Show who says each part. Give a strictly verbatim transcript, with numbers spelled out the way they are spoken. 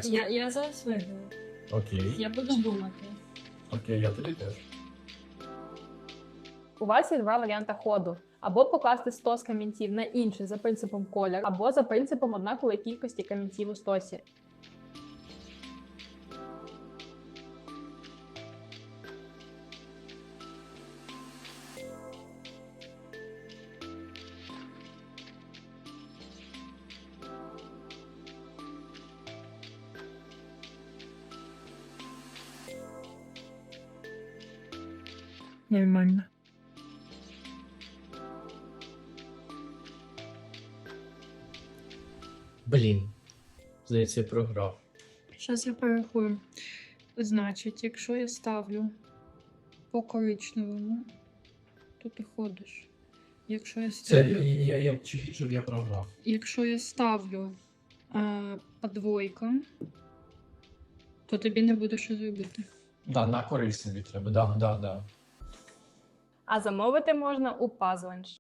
Speaker 1: чесно.
Speaker 2: Я, я зараз виграю.
Speaker 1: Окей.
Speaker 2: Я буду думати.
Speaker 1: Окей, я тобі теж.
Speaker 3: У вас є два варіанти ходу. Або покласти сто з камінців на інший за принципом колір, або за принципом однакової кількості камінців у стосі.
Speaker 2: Нормально.
Speaker 1: Блін. Здається, я програв.
Speaker 2: Зараз я порахую. Значить, якщо я ставлю по коричневому, то ти ходиш. Якщо я
Speaker 1: Це
Speaker 2: ставлю,
Speaker 1: я, я, я, щоб я програв.
Speaker 2: якщо я ставлю а, по двойкам, то тобі не буде що робити.
Speaker 1: Да, на користь собі треба. Да, да, да.
Speaker 3: А замовити можна у Puzzlench.